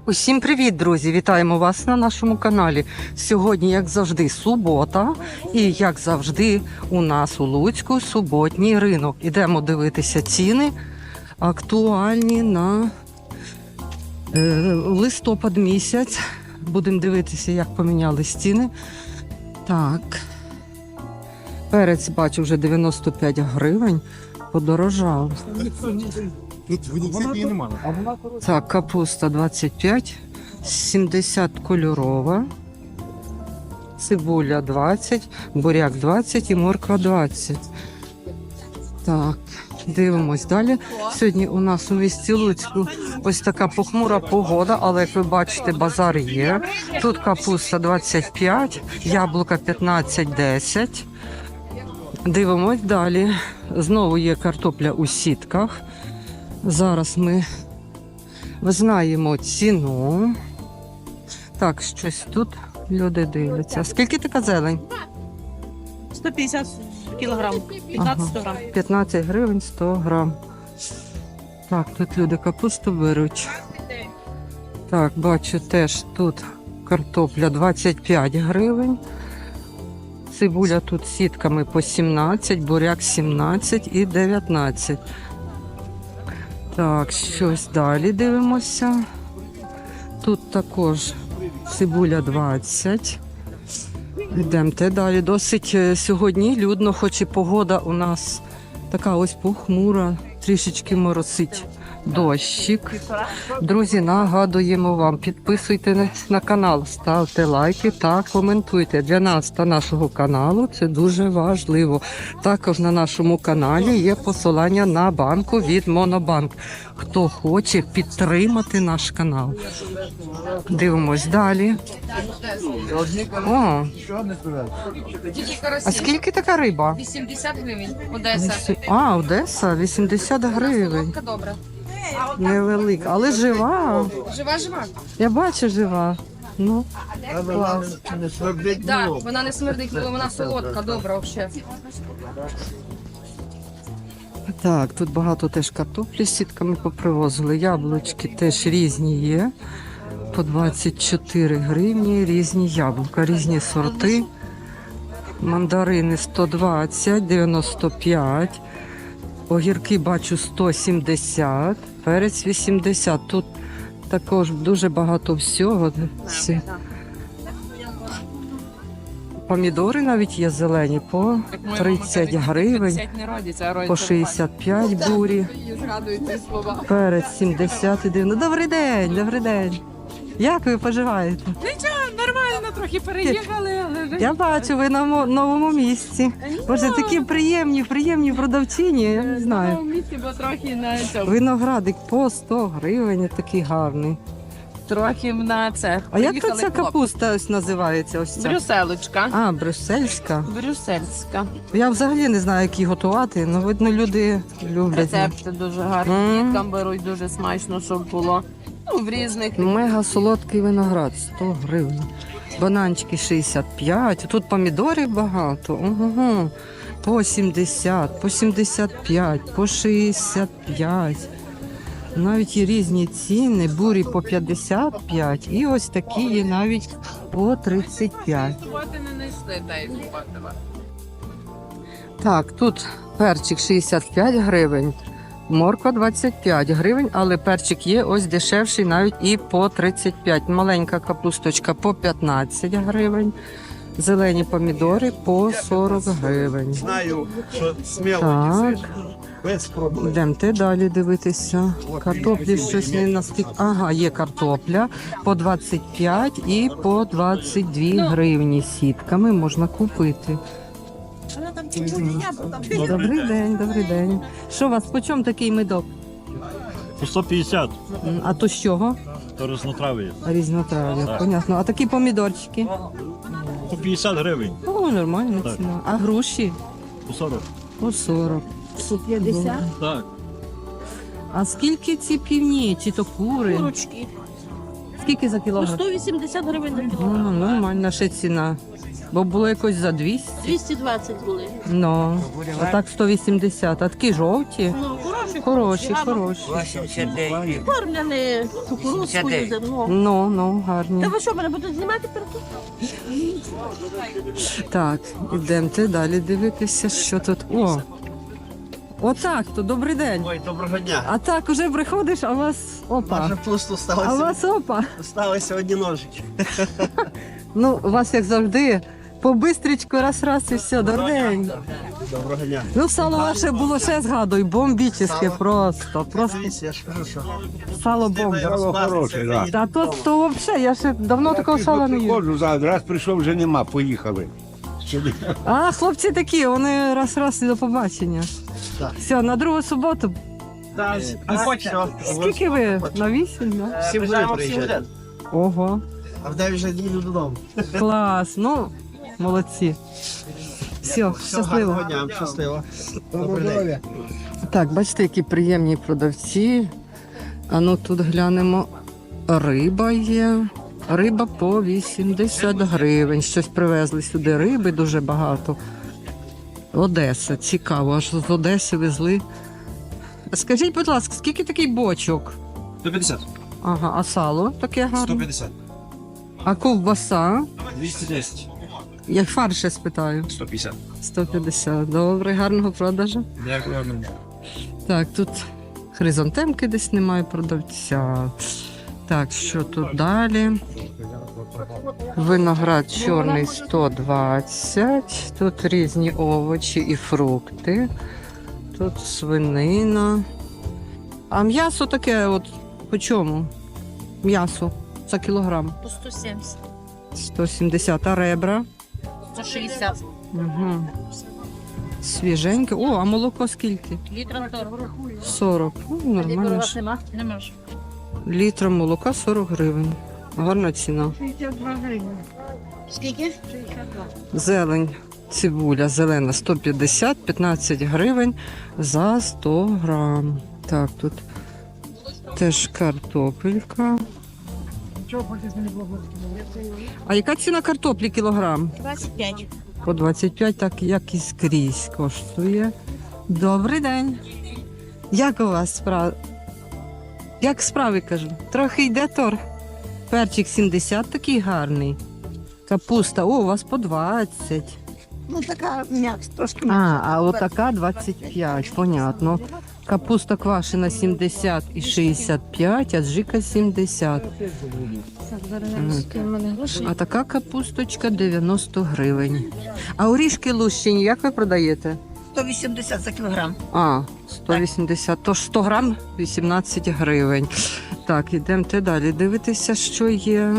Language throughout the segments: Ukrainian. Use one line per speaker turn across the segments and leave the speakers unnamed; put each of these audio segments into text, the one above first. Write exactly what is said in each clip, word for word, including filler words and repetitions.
Усім привіт, друзі! Вітаємо вас на нашому каналі. Сьогодні, як завжди, субота. І, як завжди, у нас у Луцьку суботній ринок. Ідемо дивитися ціни актуальні на е, листопад місяць. Будемо дивитися, як помінялись ціни. Так. Перець, бачу, вже дев'яносто п'ять гривень. Подорожав. Так, капуста двадцять п'ять, сімдесят кольорова, цибуля двадцять, буряк двадцять і морква двадцять. Так, дивимось далі. Сьогодні у нас у місті Луцьку ось така похмура погода, але, як ви бачите, базар є. Тут капуста двадцять п'ять, яблука п'ятнадцять десять. Дивимось далі. Знову є картопля у сітках. Зараз ми знаємо ціну. Так, щось тут люди дивляться. Скільки така зелень?
сто п'ятдесят кілограм, п'ятнадцять сто грам.
п'ятнадцять гривень сто грам. Так, тут люди капусту беруть. Так, бачу теж тут картопля двадцять п'ять гривень. Цибуля тут сітками по сімнадцять, буряк сімнадцять і дев'ятнадцять. Так, щось далі дивимося. Тут також цибуля двадцять. Йдемте далі. Досить сьогодні людно, хоч і погода у нас така ось похмура, трішечки моросить дощик. Друзі, нагадуємо вам, підписуйтесь на канал, ставте лайки та коментуйте. Для нас та нашого каналу це дуже важливо. Також на нашому каналі є посилання на банку від Монобанк. Хто хоче підтримати наш канал. Дивимось далі. О, а скільки така риба?
вісімдесят гривень. Одеса.
А, Одеса, вісімдесят гривень.
Лодка добра.
Невелика, але жива.
Жива, жива.
Я бачу, жива. Ну, клас.
Да, вона не смердить, вона солодка, добра взагалі.
Так, тут багато теж картоплі з сітками попривозили. Яблучки теж різні є. По двадцять чотири гривні, різні яблука, різні сорти. Мандарини сто двадцять, дев'яносто п'ять. Огірки бачу сто сімдесят, перець вісімдесят. Тут також дуже багато всього. Помідори навіть є зелені по тридцять гривень, по шістдесят п'ять бурі. Перець сімдесят і дев'яносто. Добрий день, добрий день. Як ви поживаєте?
Нічого, нормально, трохи переїхали, але...
Я бачу, ви на мо- новому місці. Боже, такі приємні, приємні продавчині, я не
В
знаю.
новому місці, бо трохи на цьому.
Виноградик по сто гривень, такий гарний.
Трохи на це.
А як то
Приїхали
ця
хлопці.
капуста ось називається? Ось ця?
Брюсселочка.
А, брюссельська.
Брюссельська.
Я взагалі не знаю, як її готувати, але видно, люди люблять.
Рецепти дуже гарні.
Мм.
Діткам беруть дуже смачно, щоб було. Ну, в різних.
Мега солодкий виноград, сто гривень. Бананчики шістдесят п'ять. Тут помідорів багато. Угу. По сімдесят, по сімдесят п'ять, по шістдесят п'ять. Навіть є різні ціни. Бурі по п'ятдесят п'ять і ось такі є навіть по тридцять п'ять.
Суботи не знайшли, та й суботи.
Так, тут перчик шістдесят п'ять гривень, морква двадцять п'ять гривень, але перчик є ось дешевший навіть і по тридцять п'ять. Маленька капусточка по п'ятнадцять гривень, зелені помідори по сорок гривень.
Знаю, що сміло
Так,
без проблем.
йдемте далі дивитися. Картоплі щось не настільки. Ага, є картопля по двадцять п'ять і по двадцять дві гривні сітками можна купити. Добрий день, добрий день. Що у вас, по чому такий медок?
По сто п'ятдесят,
М, А то з чого?
то різнотрав'я.
Різнотрав'я,
Так.
понятно. А такі помідорчики?
По п'ятдесят гривень,
О, нормальна
Так.
ціна. А груші?
по сорок.
По сорок. п'ятдесят?
Так.
А скільки ці півні, чи то кури?
Курочки.
Скільки за
По
кілограм?
сто вісімдесят гривень за
Ну,
кілограм.
нормальна ще ціна. Бо було якось за двісті.
двісті двадцять були.
Ну, а так сто вісімдесят. А такі жовті?
Ну, хороші,
Хороші,
гарно.
хороші.
Кормляні кукурудзкою зерно.
Ну, ну, гарні.
Та ви що, мене будете знімати перед?
Так, ідемте далі дивитися, що тут. О! Отак, то добрий день.
Ой, доброго дня.
А так уже приходиш, а у вас опа.
Майже пусто
А у
сталося.
вас опа.
Сталися одні ножички.
Ну, у вас як завжди, побистрічку раз-раз і все, добрий день.
Доброго дня.
Ну, сало ваше було ще згадуй, бомбічне просто. Просто
Дивіться, я ж кажу, що
сало бомба.
Сало
хороше, да.
Та то, то взагалі, я ще давно такого сала не їв.
Приходжу зараз, раз прийшов, вже нема, поїхали.
А, хлопці такі, вони раз-раз і до побачення.
Так.
Все, на другу суботу.
все.
Скільки ви? На вісім, да?
Всі будуть приїжджати.
Ого,
А в дев'ять вже їду додому.
клас, ну, молодці. Все,
Все,
щасливо.
гарного дня, щасливо. Добрий день.
Так, бачите, які приємні продавці. А ну тут глянемо. Риба є. Риба по вісімдесят гривень. Щось привезли сюди риби дуже багато. Одеса, цікаво, аж з Одеси везли. Скажіть, будь ласка, скільки такий бочок?
сто п'ятдесят.
Ага, а сало таке гарне?
п'ятдесят.
А ковбаса?
двісті десять.
Я фарш ще спитаю.
сто п'ятдесят.
сто п'ятдесят. Добре, гарного продажу.
Дякую.
Так, тут хризантемки десь немає продавця. Так, що тут далі? Виноград чорний сто двадцять. Тут різні овочі і фрукти. Тут свинина. А м'ясо таке от по чому? М'ясо за кілограм.
По сто сімдесят.
сто сімдесят, а ребра?
сто шістдесят.
Угу. Свіженьке. О, а молоко скільки?
Літра сорок.
сорок. Ну, нормально. ж.
нема? Нема ж.
Літра молока сорок гривень. Гарна ціна.
Скільки?
Зелень, цибуля зелена сто п'ятдесят, п'ятнадцять гривень за сто грам. Так, тут теж картопелька. А яка ціна картоплі кілограм?
двадцять п'ять.
По двадцять п'ять, так як і скрізь коштує. Добрий день. Як у вас справи? Як справи, кажу? Трохи йде торг. Перчик сімдесят такий гарний. Капуста, о, у вас по двадцять.
Ну, така м'якс, трошки
А, а отака двадцять п'ять, понятно. Капуста квашена сімдесят і шістдесят п'ять, а джика сімдесят. А така капусточка дев'яносто гривень. А орішки лущені, як ви продаєте?
сто вісімдесят за кілограм.
А, сто вісімдесят, тож сто грам вісімнадцять гривень. Так, ідемте далі дивитися, що є.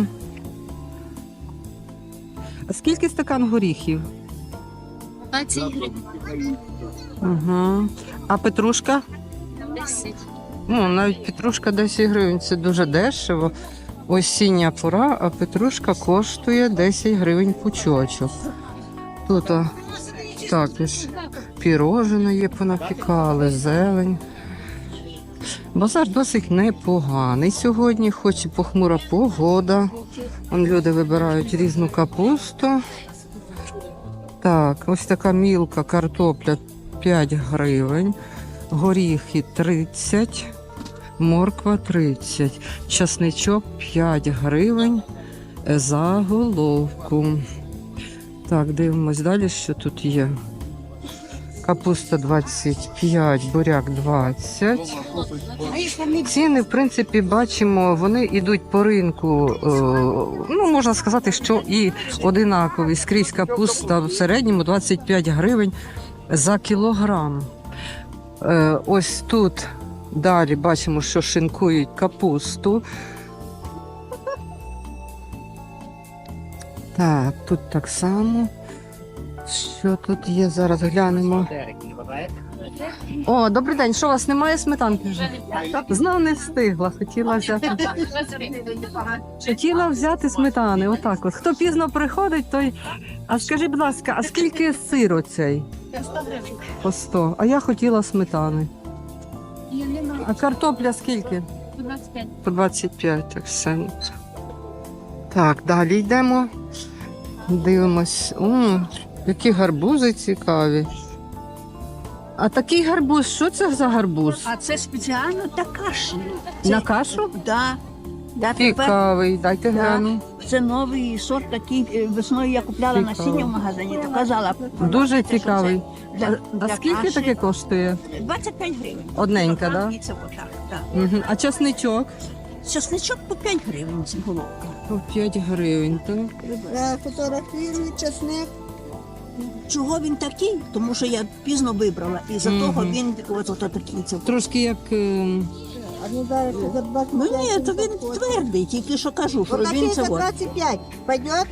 А скільки стакан горіхів?
двадцять гривень.
Угу. А петрушка?
десять.
Ну, навіть петрушка десять гривень, це дуже дешево. Осіння пора, а петрушка коштує десять гривень пучочок. Тут а, також пірожне є, понапікали, зелень. Базар досить непоганий сьогодні, хоч і похмура погода. Вон люди вибирають різну капусту. Так, ось така мілка картопля п'ять гривень, горіхи тридцять, морква тридцять, часничок п'ять гривень за головку. Так, дивимось далі, що тут є. Капуста двадцять п'ять, буряк двадцять. Ціни, в принципі, бачимо, вони йдуть по ринку, е, ну, можна сказати, що і одинакові. Скрізь капуста в середньому двадцять п'ять гривень за кілограм. Е, ось тут далі бачимо, що шинкують капусту. Так, тут так само. Що тут є? Зараз глянемо. О, добрий день. Що у вас немає сметанки вже? Знов не встигла. Хотіла взяти. Хотіла взяти сметани. Отак от. Хто пізно приходить, той. А скажіть, будь ласка, а скільки сир оцей? По сто. А я хотіла сметани. А картопля скільки?
двадцять п'ять.
По двадцять п'ять, так все. Так, далі йдемо. Дивимось. О, які гарбузи цікаві. А такий гарбуз, що це за гарбуз?
А це спеціально та каші.
На кашу?
Да. Да, тепер
Цікавий, дайте
Да.
гляну.
це новий сорт такий. е, Весною я купляла
Цікаво.
насіння в магазині, то казала.
Дуже
що це
цікавий.
для-
А, а
для
скільки
каші.
таке коштує?
двадцять п'ять гривень.
Одненька,
Кілограм,
да?
і це отак, так.
Угу. А часничок?
Часничок по п'ять гривень ці головка.
По п'ять гривень, так?
Фотографійний часник. Чого він такий? Тому що я пізно вибрала, і за
Мгм.
того він от, от, такий. Це.
Трошки як... е,
Ну ні, то він твердий, тільки що кажу, що він це от.
двадцать пять. Пойдет?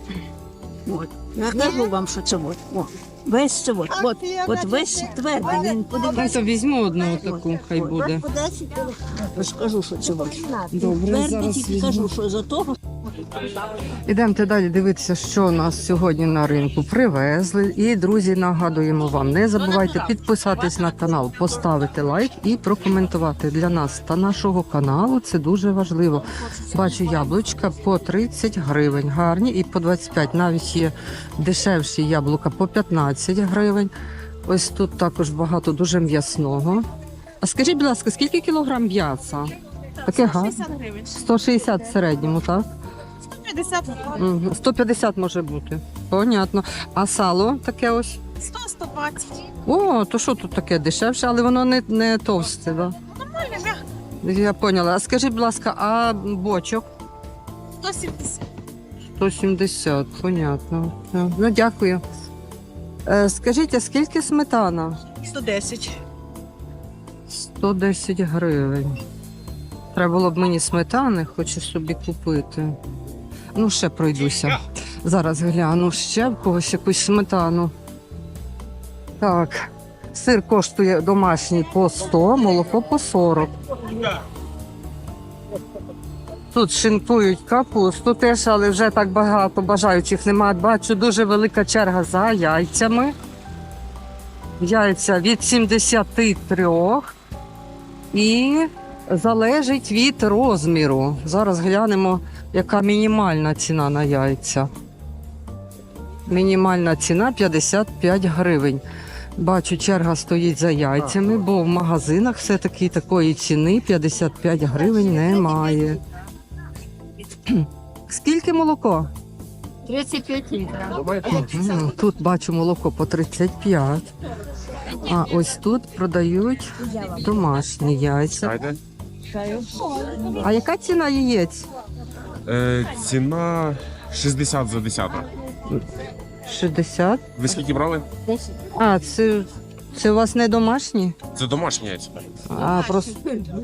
От. Я кажу вам, що це от. О, весь це от. От, от весь твердий, він подивіться.
Я візьму одну таку, хай буде.
По десять.
Я ж кажу, що це от.
Добре,
Твердий,
зараз
тільки
візьму.
кажу, що за того.
Ідемте далі дивитися, що у нас сьогодні на ринку привезли. І, друзі, нагадуємо вам, не забувайте підписатись на канал, поставити лайк і прокоментувати для нас та нашого каналу. Це дуже важливо. Бачу яблучка по тридцять гривень, гарні, і по двадцять п'ять. Навіть є дешевші яблука по п'ятнадцять гривень. Ось тут також багато дуже м'ясного. А скажіть, будь ласка, скільки кілограм м'яса? Таке гарне.
гривень.
сто шістдесят в середньому, так?
п'ятдесят.
Мгм. сто п'ятдесят може бути. Понятно. А сало таке ось?
сто сто двадцять.
О, то що тут таке дешевше, але воно не, не товсте, да?
Нормально, м'яко.
Я поняла. А скажіть, будь ласка, а бочок?
сто сімдесят.
сто сімдесят, понятно. Так, ну, дякую. Е, скажіть, а скільки сметана?
сто десять.
сто десять гривень. Треба було б мені сметани, хочу собі купити. Ну, ще пройдуся. Зараз гляну ще в когось якусь сметану. Так, сир коштує домашній по сто, молоко по сорок. Тут шинкують капусту теж, але вже так багато бажаючих немає. Бачу, дуже велика черга за яйцями. Яйця від сімдесят три і залежить від розміру. Зараз глянемо, яка мінімальна ціна на яйця. Мінімальна ціна п'ятдесят п'ять гривень. Бачу, черга стоїть за яйцями, бо в магазинах все-таки такої ціни п'ятдесят п'ять гривень немає. Скільки молоко?
тридцять п'ять літрів.
Мгм, Тут бачу молоко по тридцять п'ять. А ось тут продають домашні яйця. А яка ціна яєць?
Е, ціна шістдесят за десяток.
шістдесят.
Ви скільки брали?
А, це, це у вас не домашні?
Це домашні яйця.
А, просто...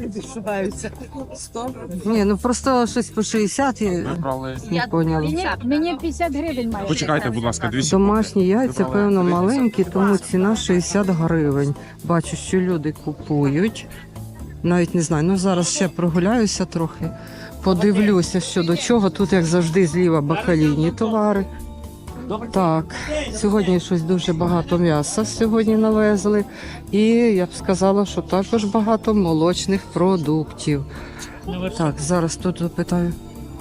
Ні, ну просто щось по шістдесят, я
Брали.
не поняла.
Мені п'ятдесят гривень має.
Почекайте, будь ласка, двісті.
Домашні яйця, певно, маленькі, тому ціна шістдесят гривень. Бачу, що люди купують. Навіть не знаю, ну зараз ще прогуляюся трохи, подивлюся, що до чого. Тут, як завжди, зліва бакалійні товари. Так, сьогодні щось дуже багато м'яса сьогодні навезли. І я б сказала, що також багато молочних продуктів. Так, зараз тут запитаю.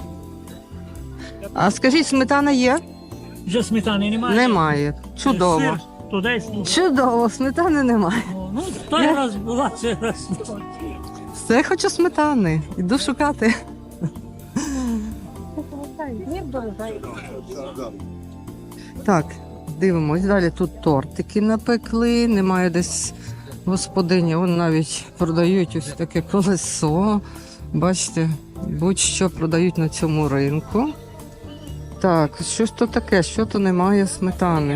А скажіть, сметана є?
Вже сметани немає.
Немає. Чудово.
Сир, то десь.
Чудово, сметани немає.
Ну, той раз була, цей раз.
Все хочу сметани. Іду шукати. Так, дивимось. Далі тут тортики напекли. Немає десь господині. Вон навіть продають ось таке колесо. Бачите, будь-що продають на цьому ринку. Так, що ж то таке? Що то немає сметани?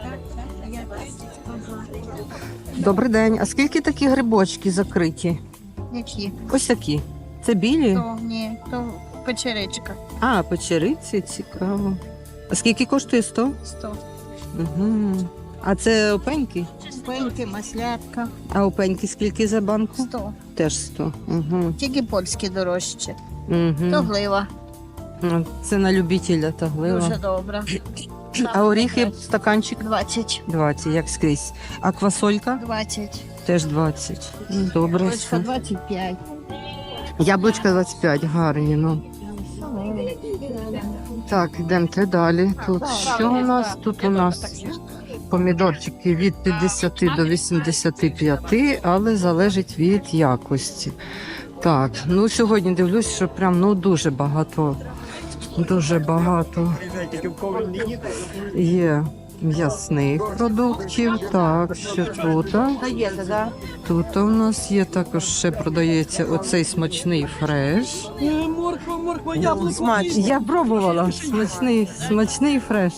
Добрий день. А скільки такі грибочки закриті?
Які?
Ось такі. Це білі?
То, ні, то печеричка.
А, печериці, цікаво. А скільки коштує сто?
сто.
Угу. А це опеньки?
Пеньки, маслятка.
А опеньки скільки за банку?
сто.
Теж сто. Угу.
Тільки польські дорожче.
Угу.
То глива.
Це на любителя та глива.
Дуже добра.
А оріхи стаканчик
двадцять.
двадцять, як скрізь. А квасолька
двадцять.
теж двадцять. Добре.
Польська
все.
двадцять п'ять.
Яблучка двадцять п'ять, гарні, ну. Так, йдемте далі. Тут що у нас? Тут у нас помідорчики від п'ятдесят до вісімдесят п'ять, але залежить від якості. Так, ну сьогодні дивлюсь, що прям ну дуже багато, дуже багато є м'ясних продуктів. Так, що тут? Тут у нас є також ще продається оцей смачний фреш.
Морква, морква, яблуко.
Смачний. Я пробувала. Смачний, смачний фреш.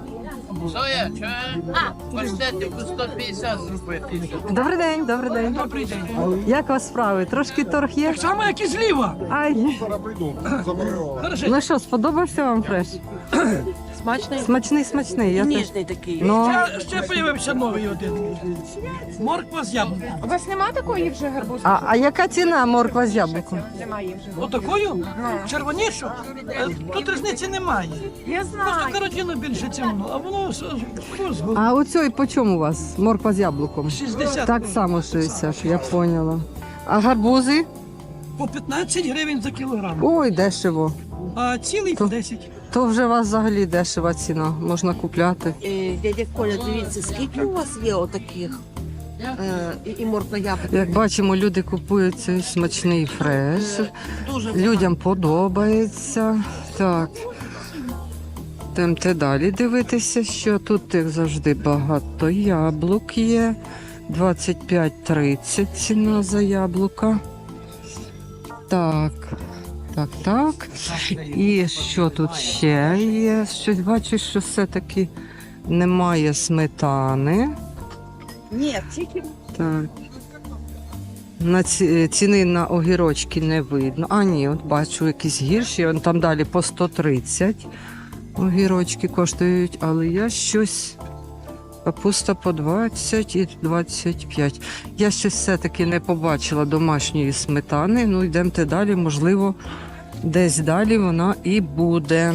Добрий день, добрий день.
Добрий день.
Як у вас справи? Трошки торг є?
Так само, як і зліва.
Ай.
Хорошо.
Ну що, сподобався вам фреш?
Смачний?
Смачний, смачний. Я
Ніжний такий.
Ну,
Ще, ще появився новий один. Морква з яблуком.
У вас нема такої вже гарбузи?
а, а яка ціна морква з яблуком?
Немає вже.
Отакою? Червонішу? Е, Тут різниці немає.
Я
Просто
знаю.
каротину більше цьому, а воно з- з- з-
А оцей по чому у вас? Морква з яблуком?
шістдесят.
Так само шістдесят, я поняла. А гарбузи?
По п'ятнадцять гривень за кілограм.
Ой, дешево.
А цілий по десять.
То вже у вас взагалі дешева ціна, можна купляти.
Е, Дядя Коля, дивіться, скільки у вас є отаких? Е, і- І морква яблука.
Як бачимо, люди купують цей смачний фреш.
Дуже
Людям подобається. Так. Йдемте далі дивитися, що тут як завжди багато яблук є. двадцять п'ять тридцять ціна за яблука. Так. Так, так. І що тут ще є? Щось бачу, що все-таки немає сметани.
Ні, тільки
Так. На ці, ціни на огірочки не видно. А, ні, от бачу якісь гірші. Вон там далі по сто тридцять огірочки коштують, але я щось. Капуста по двадцять і двадцять п'ять. Я щось все-таки не побачила домашньої сметани. Ну, йдемте далі, можливо, десь далі вона і буде.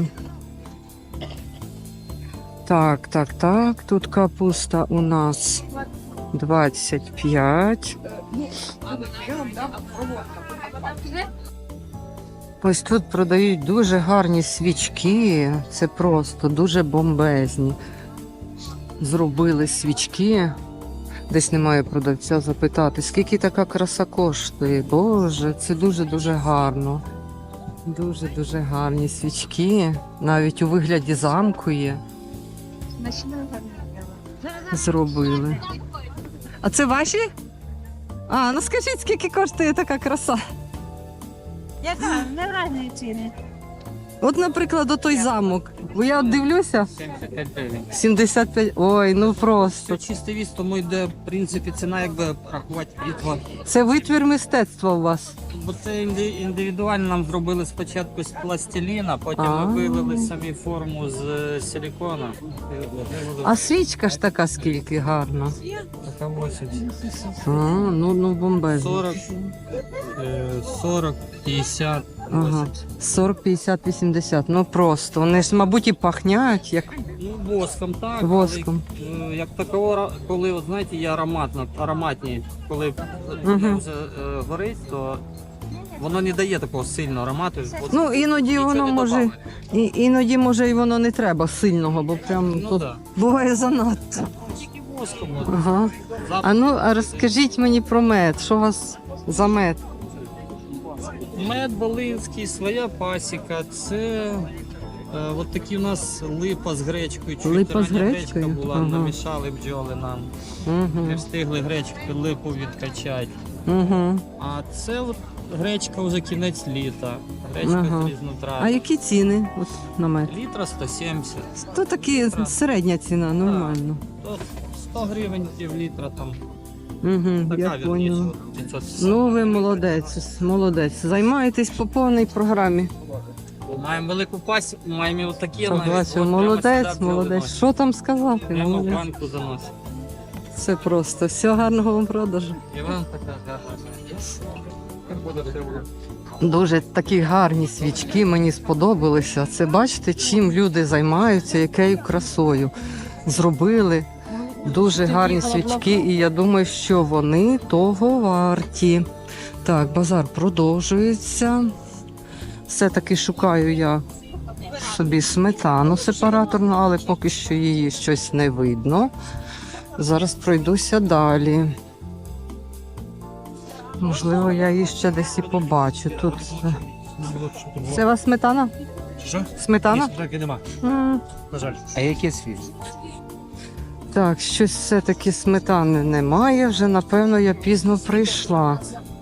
Так, так, так. Тут капуста у нас двадцять п'ять. Ось тут продають дуже гарні свічки. Це просто дуже бомбезні. Зробили свічки. Десь немає продавця запитати, скільки така краса коштує. Боже, це дуже-дуже гарно. Дуже-дуже гарні свічки. Навіть у вигляді замку є. Зробили. А це ваші? А, ну скажіть, скільки коштує така краса?
Яка? Не різні ціни.
От, наприклад, отой замок. Бо я от дивлюся. сімдесят п'ять. Ой, ну просто.
Чистий віз, тому йде, в принципі, ціна, якби рахувати літва.
Це витвір мистецтва у вас.
Бо це інди- індивідуально нам зробили спочатку з пластиліна, потім
А.
ми вивели самі форму з е, силікона.
А свічка ж така скільки гарна.
Така вісімдесят.
А, ну, ну бомбезно.
сорок, е, сорок, п'ятдесят.
Ага. сорок, п'ятдесят, вісімдесят. Ну просто. Вони ж, мабуть, і пахнять, як
Ну, воском так.
воском.
Але, е, як такого, ра- коли, от, знаєте, є ароматно, ароматні, коли
Мгм.
вже е, горить, то воно не дає такого сильного аромату. От
Ну, іноді
нічого
воно
не
може,
добавить.
і, іноді може і воно не треба сильного, бо прям
Ну
тут
так.
буває занадто.
Тільки воском. от.
Ага.
Запах.
А ну, а розкажіть мені про мед. Що у вас за мед?
Мед Волинський, своя пасіка. Це е, от такі у нас липа з гречкою. Чуть
Липа з
рання
гречкою?
гречка була,
Ага.
намішали бджоли нам.
Угу.
Не встигли гречку липу відкачати.
Угу.
А це от гречка вже кінець літа. Гречка
Ага.
з
А
різнотрав'я.
які ціни от, на мед?
Літра сто сімдесят.
То такі середня ціна, нормально.
То сто гривень пів літра там.
Угу,
Така
я
вірніше,
поняла.
от п'ятсот п'ятдесят.
Ну, ви молодець, молодець. Займаєтесь по повній програмі.
Маємо велику пасіку, маємо отакі
Так,
навіть.
бачу,
От прямо
молодець,
сюди
молодець.
приносять.
Що там сказати?
Прямо в
Молодець.
банку заносить.
Це просто. Всього гарного вам продажу.
І вам така гарна.
Дуже такі гарні свічки мені сподобалися. Це бачите, чим люди займаються, якою красою. Зробили дуже гарні свічки, і я думаю, що вони того варті. Так, базар продовжується. Все-таки шукаю я собі сметану сепараторну, але поки що її щось не видно. Зараз пройдуся далі. Можливо, я її ще десь і побачу. Тут це, це у вас сметана?
Що?
Сметана?
Таки нема.
М,
На жаль. А яке світ?
Так, щось все-таки сметани немає. Вже, напевно, я пізно прийшла.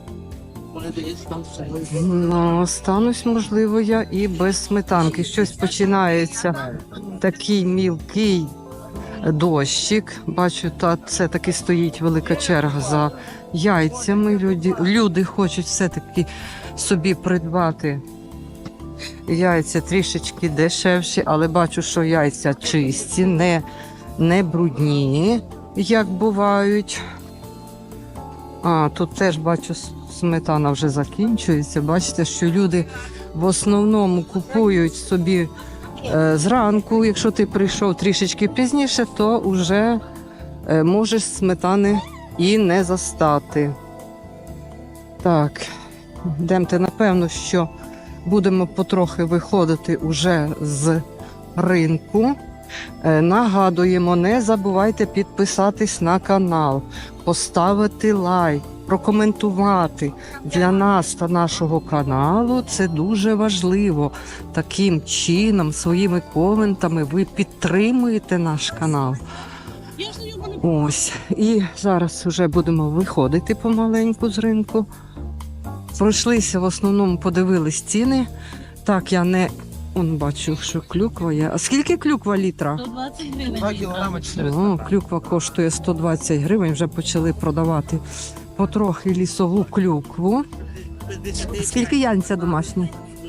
Ну, останусь, можливо, я і без сметанки. Щось починається такий мілкий дощик. Бачу, та це таки стоїть велика черга за яйцями. Люди, люди хочуть все-таки собі придбати яйця трішечки дешевші, але бачу, що яйця чисті, не, не брудні, як бувають. А, тут теж бачу, сметана вже закінчується. Бачите, що люди в основному купують собі е, зранку. Якщо ти прийшов трішечки пізніше, то вже е, можеш сметани і не застати. Так, йдемте, напевно, що будемо потрохи виходити уже з ринку. Е, Нагадуємо, не забувайте підписатись на канал, поставити лайк, прокоментувати. Для нас та нашого каналу це дуже важливо. Таким чином, своїми коментами ви підтримуєте наш канал. Ось. І зараз вже будемо виходити помаленьку з ринку. Пройшлися, в основному подивились ціни. Так, я не... Он бачу, що клюква є. А скільки клюква літра?
сто двадцять гривень.
два кілограми чотириста.
О, клюква коштує сто двадцять гривень. Вже почали продавати потрохи лісову клюкву. Скільки янця домашні?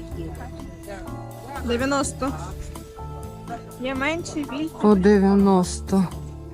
дев'яносто. Є менший, більший.
По дев'яносто.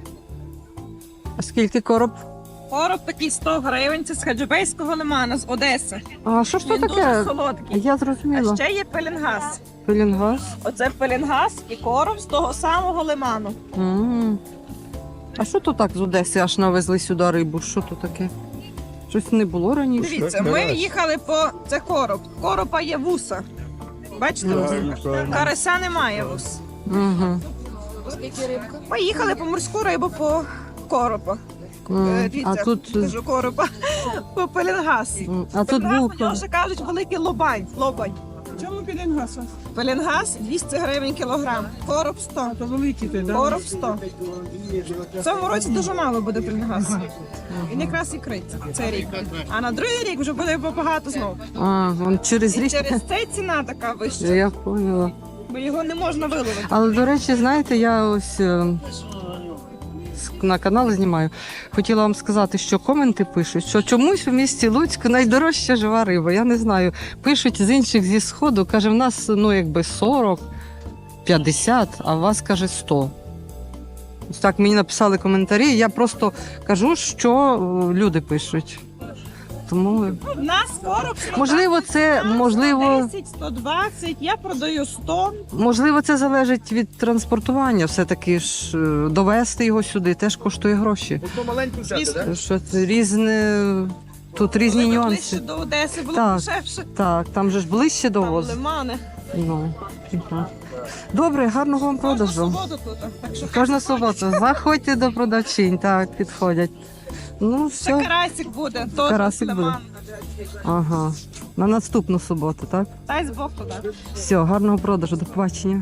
А скільки короб?
Короб такий сто гривень, це з хаджибейського лимана, з Одеси.
А що ж це
Він дуже
таке?
солодкий.
Я
А
зрозуміла.
ще є пеленгаз.
Пелінгаз.
Оце пеленгаз і короб з того самого лиману.
М. А що то так з Одеси аж навезли сюди рибу? Що то таке? Щось не було раніше.
Дивіться, ми їхали по... Це короб. Коропа є вуса. Бачите? Карася немає вус.
Угу.
Поїхали по морську рибу по коропа. Е, Дивіться,
А тут,
кажу коропа. По пеленгаз.
м, а тут був.
Його ще кажуть великий лобань. Лобань. Чому пеленгаз? Пеленгаз двісті гривень кілограм. Короб сто. Це великий ти, Короб сто. В цьому році дуже мало буде пеленгаз. Він якраз і криться цей рік. А на другий рік вже буде багато знову.
А, вон через
І
рік.
через це ціна така вища,
Я поняла.
бо його не можна виловити.
Але, до речі, знаєте, я ось е, с- на канал знімаю. Хотіла вам сказати, що коменти пишуть, що чомусь у місті Луцьку найдорожча жива риба. Я не знаю. Пишуть з інших зі сходу, каже, в нас ну якби сорок, п'ятдесят, а у вас каже сто. Ось так мені написали коментарі. Я просто кажу, що е, люди пишуть. Тому
У нас короб сто
можливо, це можливо.
десять, сто двадцять, я продаю сто.
Можливо, це залежить від транспортування. Все-таки ж е, довести його сюди теж коштує гроші.
Ото маленьку взяти, так?
Що це різне, тут різні
Коли
нюанси.
ближче до Одеси було
Так.
дешевше.
Так, там же ж ближче до
Там
воз.
лимани.
Ну, так. Добре, гарного вам
Кожну
продажу.
суботу тут. Так що
Кожна субота. Заходьте до продавчинь, так, підходять. Ну,
ще
все.
карасик буде. Теж
Карасик
з
буде.
лиману.
Ага. На наступну суботу, так?
Дай з Бог туди.
Все, гарного продажу, до побачення.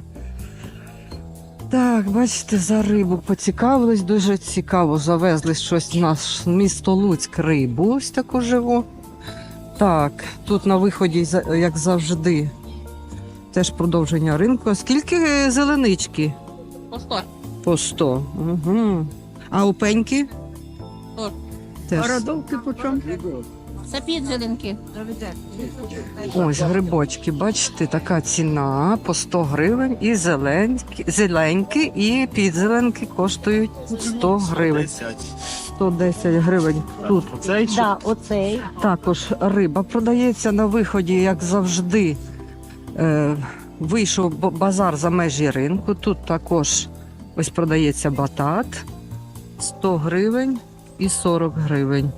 Так, бачите, за рибу поцікавились, дуже цікаво. Завезли щось в наш місто Луцьк рибу, ось таку живу. Так, тут на виході, за- як завжди, теж продовження ринку. Скільки зеленички?
По сто.
По сто. Угу. А у пеньки?
сто.
Теж.
Родовки по чому? Це підзеленки.
Ось грибочки, бачите, така ціна по сто гривень. І зеленькі, зеленькі, і підзеленки коштують сто гривень. сто десять гривень тут.
Цей
Да, оцей.
Також риба продається на виході, як завжди. Е, вийшов б- базар за межі ринку. Тут також ось продається батат сто гривень і сорок гривень.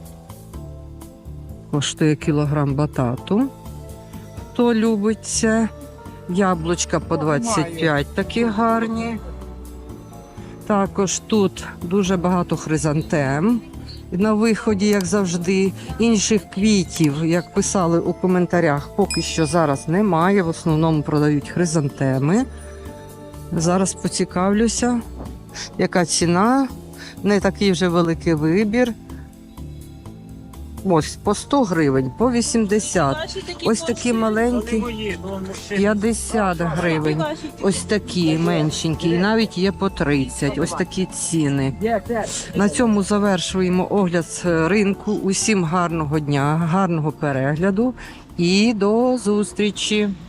Коштує кілограм батату. Хто любить це. Яблучка по двадцять п'ять такі гарні. Також тут дуже багато хризантем. На виході, як завжди, інших квітів, як писали у коментарях, поки що зараз немає. В основному продають хризантеми. Зараз поцікавлюся, яка ціна. Не такий вже великий вибір. Ось по сто гривень, по вісімдесят. Ось такі маленькі п'ятдесят гривень. Ось такі меншенькі. І навіть є по тридцять. Ось такі ціни. На цьому завершуємо огляд ринку. Усім гарного дня, гарного перегляду і до зустрічі.